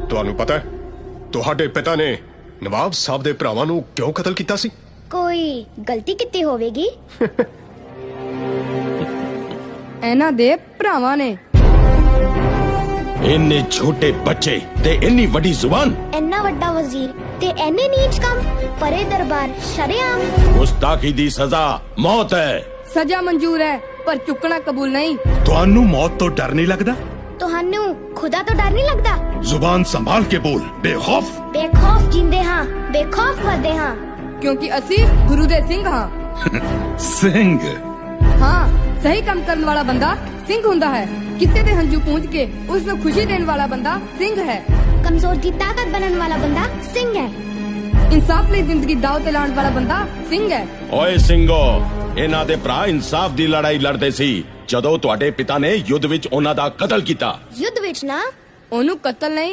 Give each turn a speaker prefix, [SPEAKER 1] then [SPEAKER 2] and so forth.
[SPEAKER 1] ਤੁਹਾਨੂੰ ਪਤਾ ਹੈ ਤੁਹਾਡੇ ਪਿਤਾ ਨੇ ਨਵਾਬ ਸਾਹਿਬ ਦੇ ਭਰਾਵਾਂ ਨੂੰ ਕਿਉਂ ਕਤਲ ਕੀਤਾ ਸੀ?
[SPEAKER 2] ਕੋਈ ਗਲਤੀ ਕੀਤੀ ਹੋਵੇਗੀ?
[SPEAKER 3] ਇਹਨਾਂ ਦੇ ਭਰਾਵਾਂ ਨੇ।
[SPEAKER 4] ਇੰਨੇ ਛੋਟੇ ਬੱਚੇ ਤੇ ਇੰਨੀ ਵੱਡੀ ਜ਼ੁਬਾਨ।
[SPEAKER 2] ਇੰਨਾ ਵੱਡਾ ਵਜ਼ੀਰ ਤੇ ਇੰਨੇ ਨੀਚ ਕੰਮ। ਪਰੇ ਦਰਬਾਰ ਸ਼ਰੇਆਮ।
[SPEAKER 4] ਗੁਸਤਾਖੀ ਦੀ ਸਜ਼ਾ ਮੌਤ ਹੈ।
[SPEAKER 3] ਸਜ਼ਾ ਮਨਜ਼ੂਰ ਹੈ ਪਰ ਚੁੱਕਣਾ ਕਬੂਲ ਨਹੀਂ।
[SPEAKER 5] ਤੁਹਾਨੂੰ ਮੌਤ ਤੋਂ ਡਰ ਨਹੀਂ ਲੱਗਦਾ?
[SPEAKER 2] ਤੁਹਾਨੂੰ ਖੁਦਾ ਤੋਂ ਡਰ ਨਹੀਂ ਲੱਗਦਾ?
[SPEAKER 5] ਜ਼ੁਬਾਨ ਸੰਭਾਲ ਕੇ ਬੋਲ। ਬੇਖੌਫ
[SPEAKER 2] ਬੇਖੌਫ ਜਿੰਦੇ ਹਾਂ, ਬੇਖੌਫ ਮਰਦੇ ਹਾਂ।
[SPEAKER 3] ਕਿਉਂਕਿ ਅਸੀਂ ਗੁਰੂ ਦੇ ਸਿੰਘ ਹਾਂ।
[SPEAKER 5] ਸਿੰਘ?
[SPEAKER 3] ਹਾਂ, ਸਹੀ ਕੰਮ ਕਰਨ ਵਾਲਾ ਬੰਦਾ ਸਿੰਘ ਹੁੰਦਾ ਹੈ। ਕਿਸੇ ਦੇ ਹੰਝੂ ਪੂੰਝ ਕੇ ਉਸ ਨੂੰ ਖੁਸ਼ੀ ਦੇਣ ਵਾਲਾ ਬੰਦਾ ਸਿੰਘ ਹੈ।
[SPEAKER 2] ਕਮਜ਼ੋਰ ਦੀ ਤਾਕਤ ਬਣਨ ਵਾਲਾ ਬੰਦਾ ਸਿੰਘ ਹੈ।
[SPEAKER 3] ਇਨਸਾਫ ਲਈ ਜ਼ਿੰਦਗੀ ਦਾਅ ਤੇ ਲਾਉਣ ਵਾਲਾ ਬੰਦਾ ਸਿੰਘ ਹੈ।
[SPEAKER 4] ਓਏ ਸਿੰਘੋ, ਇਹਨਾਂ ਦੇ ਭਰਾ ਇਨਸਾਫ ਦੀ ਲੜਾਈ ਲੜਦੇ ਸੀ ਜਦੋਂ ਤੁਹਾਡੇ ਪਿਤਾ ਨੇ ਯੁੱਧ ਵਿੱਚ ਉਹਨਾਂ ਦਾ ਕਤਲ ਕੀਤਾ।
[SPEAKER 2] ਯੁੱਧ ਵਿੱਚ ਨਾ,
[SPEAKER 3] ਉਹਨੂੰ ਕਤਲ ਨਹੀਂ